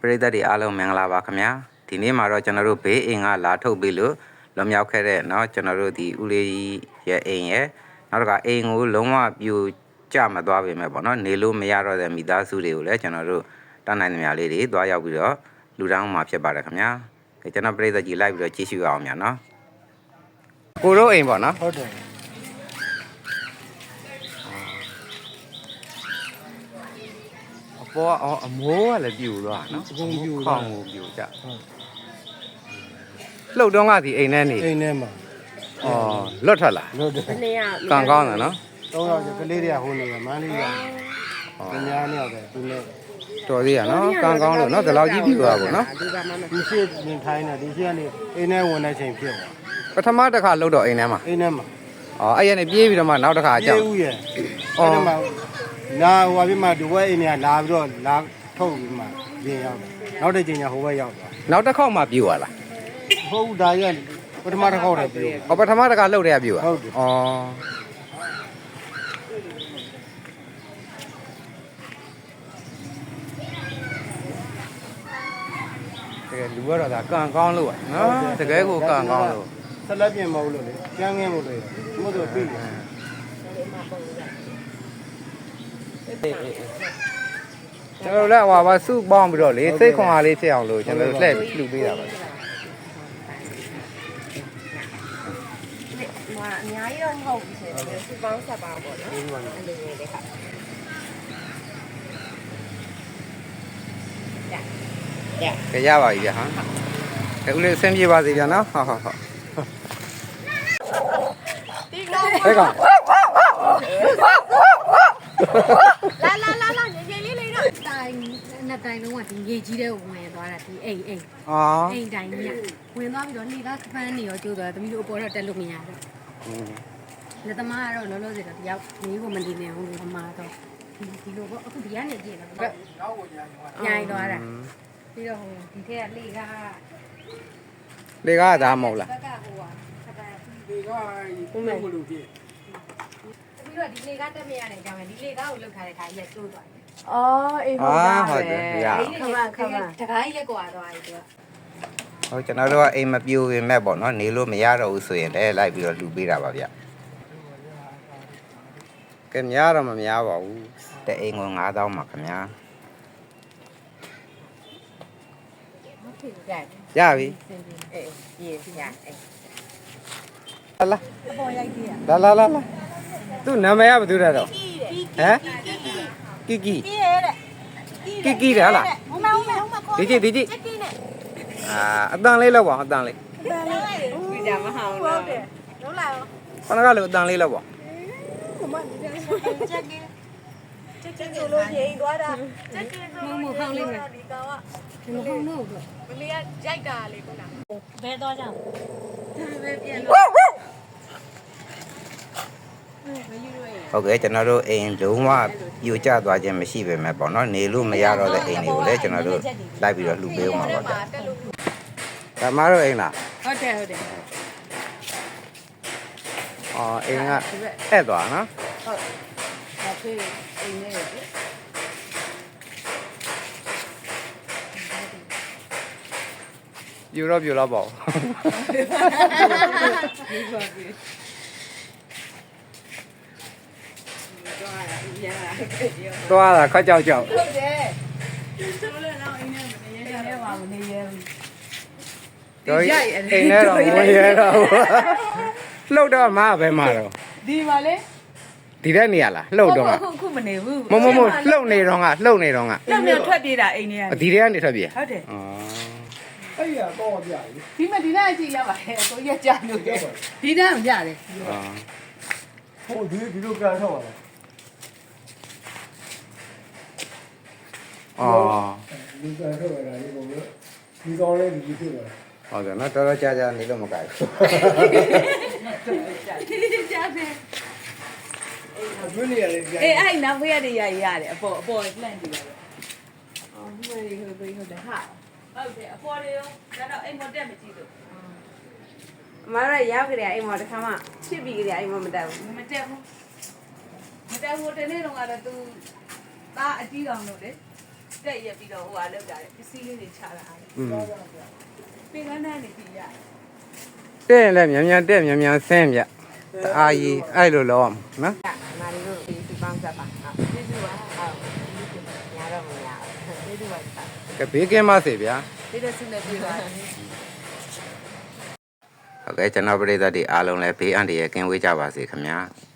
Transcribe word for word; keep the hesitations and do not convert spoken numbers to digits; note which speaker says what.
Speaker 1: ပရိသတ်တွေအားလုံးမင်္ဂလာပါခင်ဗျာဒီနေ့မှာတော့ကျွန်တော်တို့ဘေးအိမ်ကလာထုတ်ပြီးလို့လွန်မြောက်ခဲ့တဲ့เนาะကျွန်တော်တို့ဒီဦးလေးရဲ့အိမ်ရဲ့နောက်တစ်ခါအိမ်ကိုလုံးဝပြိုကျမသွားပေမဲ့ပေါ့เนาะနေလို့မရတော့တဲ့မိသားစုတွေကိုလည်းကျွန်တော်တို့တန်းနိုင်သမျှလေးတွေသွားရောက်ပြီးတော့လူတောင်းမှာဖြစ်ပါတယ်ခင်ဗျာကျွန်တော်ပရိသတ်ကြီးလိုက်ပြီးတော့ကြည့်ရှုအောင်များเนาะကိုတို့အိမ်ပေါ့เนาะဟုတ်တယ်ပေါ်အော်အမိုးကလည်းပြူသွားနော်အကုန်ပြူခေါင်းကိုပြူကြလှုပ်တော့ကဒီအိမ်ထဲနေ
Speaker 2: အိမ်ထဲမှာ
Speaker 1: အော်လွတ်ထွက်လာ
Speaker 2: လွတ်တယ်
Speaker 1: ကံကောင်းတယ်နော်
Speaker 2: သုံးယောက်ကလေးတွေကဟိုနေမန်းလေးကပညာနဲ့ပဲသူနဲ့
Speaker 1: တော်သေးရနော်ကံကောင်းလို့နော်ဒီလောက်ကြီးပြူသွားပါနော်
Speaker 2: ဒီရှိနေထိုင်းနေဒီရှိကနေအိမ်ထဲဝင်တဲ့ချိန်ဖြစ်သွား
Speaker 1: ပထမတစ်ခါလှုပ်တော့အိမ်ထဲမှာ
Speaker 2: အိမ်ထဲမှာ
Speaker 1: အော်အဲ့ရနေပြေးပြီးတော့မှနောက်တစ်ခါအကြောက်
Speaker 2: ပြေးဦးရဲ့အဲ့ဒါမှနာဟိုအပြစ်မှဒီဘက်အိမ်ကလာပြီးတော့လာထုတ်ပြီးမှပြင်ရောက်တယ်နောက်တစ်ချိန်ကျဟိုဘက်ရောက်သွား
Speaker 1: နောက်တစ်ခေါက်မှပြူသွားလား
Speaker 2: ဟုတ်ဒါရပထမတစ်ခေါက်တည်းပြူ
Speaker 1: ဟောပထမတစ်ခါလှုပ်တယ်ပြူอ่ะ
Speaker 2: ဟုတ်တယ်
Speaker 1: ဩတကယ်လူကတော့ဒါကံကောင်းလို့อ่ะနော်တကယ်ကိုကံကောင်းလို့
Speaker 2: ဆက်လက်ပြင်မဟုတ်လို့လေကျန်းငင်းလို့လေမို့ဆိုပြီ
Speaker 1: ကျွန်တော်လည်းဟိုပါစုပေါင်းပြီးတော့လေစိတ်ခွန်အားလေးဖြစ်အောင်လို့ကျွန်တော်လှည့်လှူပေးတာပါ
Speaker 3: ဟိုအများကြီးတော့မဟုတ်ဘူးဆိုတော့စုပေါင်းဆက်ပါပေါ့နော်အဲ့လိုလေးလေးခါ
Speaker 1: ကြကြရပါပြီဗျာဟာအဲဦးလေးအဆင်ပြေပါစေဗျာနော်ဟုတ်ဟုတ်ဟုတ်
Speaker 3: ဒီကောင်
Speaker 1: ဘယ်ကောင်
Speaker 3: လာလာလာလာရေရေလေးလေးတော့တိုင်နှစ်တိုင်လုံးကဒီရေကြီးတဲ့ဝင်သွားတာဒီအိမ်အိမ်
Speaker 1: အော်
Speaker 3: အိမ်တိုင်ကြီးဝင်သွားပြီးတော့နေသားခပန်းနေရောကျိုးသွားသမီးတို့အပေါ်တော့တက်လို့မရတော့လက်သမားကတော့လောလောဆယ်တော့တယောက်မင်းကိုမနေနေအောင်လို့အမားတော့ဒီဒီလိုပေါ့အခုဒီကနေကြည့်တော့နောက်ကိုညာရင်သွားတာပြီးတော့ဟိုဒီထက်ကလေက
Speaker 1: လေကဒါမဟုတ်လား
Speaker 3: ဘက်ကဟိုဟာခပန်း
Speaker 2: ဒီကဘုံမဲ့ဘလို့ဖြစ်
Speaker 3: ပြီးတော့ဒီလေကားတက်မရတဲ့အကြောင်းပဲဒီလေကားကိုလုတ်ထားတဲ့ခါကြီးကျိုးသွားတယ်
Speaker 4: ။အော်အေးဟုတ်ပါ
Speaker 1: ဟုတ်တယ်ဗျာ
Speaker 3: ခမခမတကားကြီးလက်ကွာသွားပြီသူက
Speaker 1: ဟုတ်ကျွန်တော်တို့ကအိမ်မပြိုပေမဲ့ပေါ့နော်နေလို့မရတော့ဘူးဆိုရင်လည်းလိုက်ပြီးတော့လှူပေးတာပါဗျကဲများတော့မများပါဘူးတဲ့အိမ်ကိုငါးသောင်းပါခင်ဗျာရပြီ
Speaker 3: အေးရေရအေး
Speaker 1: လာလာ
Speaker 3: အပေါ်ရိုက်သေးရ
Speaker 1: လာလာလာလာသူ့နာမည်ကဘာတူလဲတော့ဟမ်ကီကီ
Speaker 3: ကီရဲ့တဲ့
Speaker 1: ကီကီတယ်ဟုတ်လား
Speaker 3: ဟိုမဟိုမဟိုမ
Speaker 1: ဒီကြည့်ဒီကြည့်အာအတန်လေးလောက်ပါအတန်လေး
Speaker 3: ဒီကြမဟောင်းတော့ဟုတ်တယ်လုံးလာရော
Speaker 1: ခဏကလေးအတန်လေးလောက်ပါ
Speaker 3: ဟိုမဒီကြချက်ကင်းချက်ချက်ဆိုလို့ရေသွားတာချက်ကင်းဆိုလို့ဟောင်းလေးမယ်ဒီကောင်ကဒီမဟောင်းတော့မလေးကရိုက်တာလေခုနဘဲသွားကြဒါပဲပြန်လို့
Speaker 1: ဟုတ်ကဲ့ကျွန်တော်တို့အိမ်လုံးဝပြိုကျသွားခြင်းမရှိပေမဲ့ပေါ့နော်နေလို့မရတော့တဲ့အိမ်တွေကိုလည်းကျွန်တော်တို့လိုက်ပြီးတော့လှူပေးအောင်ပါပေါ့ဒါမှတော့အိမ်လား
Speaker 3: ဟုတ်တယ်ဟုတ်တယ်
Speaker 1: အော်အိမ်ကအဲ့သွားနော်
Speaker 3: ဟုတ်ဒါဖေးအိမ်နဲ့
Speaker 1: ပြိုတော့ပြိုတော့ပေါ့သွားတာခက်ကြောက်ကြောက်
Speaker 3: ဟုတ်တယ်ကျိုးလည်းတော့အိမ်ထဲမနေရတဲ့ပါမနေရဘူး
Speaker 1: တော့အိမ်ထဲတော့မရတော့လှုပ်တော့မပဲမှာတော့
Speaker 3: ဒီပါလေ
Speaker 1: ဒီတဲ့နေရလားလှုပ်တော့
Speaker 3: ခုခုမနေဘူး
Speaker 1: မမမလှုပ်နေတော့ကလှုပ်နေတော့က
Speaker 3: လှုပ်နေထွက်ပြေးတာအိမ်ထဲက
Speaker 1: ဒီတဲ့ကနေထွက်ပြေး
Speaker 3: ဟုတ်တယ်
Speaker 1: อ๋อ
Speaker 2: အဲ့ရတော့ပြပြီ
Speaker 3: ဒီမှာဒီနေ့အကြည့်ရပါရဲ့ကိုရက်ကြလို့ဒီတန်းမပြတယ်
Speaker 1: อ๋อ
Speaker 2: ဟိုဒီဒီလိုကန်ထောက်ပါလား
Speaker 1: อ๋อ
Speaker 2: ဒီကန်ထောက်ရတာဒီကောင်ကဒီကောင်လေးဒီဖြစ်သွား
Speaker 1: ဟုတ်တယ်နော်တော်တော်ကြာကြာနေလို့မကြိုက်ဘူး
Speaker 3: ကြာတယ်
Speaker 2: ဘယ်နေရာလဲကြာ
Speaker 3: အေးအဲ့နောက်ဖေးရတဲ့ရရတယ်အပေါ်အပေါ်လှန့်ကြည့်ပါတော့အော်မှန်တယ်ဟုတ်ပြီဟုတ်တယ်ဟာဟုတ်တယ်အပေါ်တွေရောဒါတော့အိမ်မတက်မကြည့်လို့
Speaker 4: အမတို့ရောက်ကြတယ်အိမ်မော်တစ်ခါမှဖြစ်ပြီးကြတယ်အိမ်မော်မတက်ဘူး
Speaker 3: မတက်ဘူးမတက်ဘူးတနေ့တော့ကတော့ तू သားအကြီးကောင်လို့လေ
Speaker 4: တက်ရက်ပြီးတော့ဟိုဟာလောက်တာပစ္စည်းလေးတွေချတာ
Speaker 2: อืม
Speaker 4: ပင်ကန်းနဲ့နေပြီရ
Speaker 1: တဲ့ရင်လည်းမြန်မြန်တက်မြန်မြန်ဆင်းဗျတအားကြီးအဲ့လိုလောအောင်နော်
Speaker 4: မာရီတို့ဒီပန်းစားပါဟုတ်ကျေးဇူးပါဟုတ်ညာတော့မရကျေးဇူးပါ
Speaker 1: ကဘေးကင်းပါစေဗျာ
Speaker 4: ဒီလိုဆုနဲ့ပြေးပါ
Speaker 1: ဟုတ်ကဲ့ကျွန်တော်ပရိသတ်တွေအားလုံးလည်းဘေးအန္တရာယ်ကင်းဝေးကြပါစေခင်ဗျာ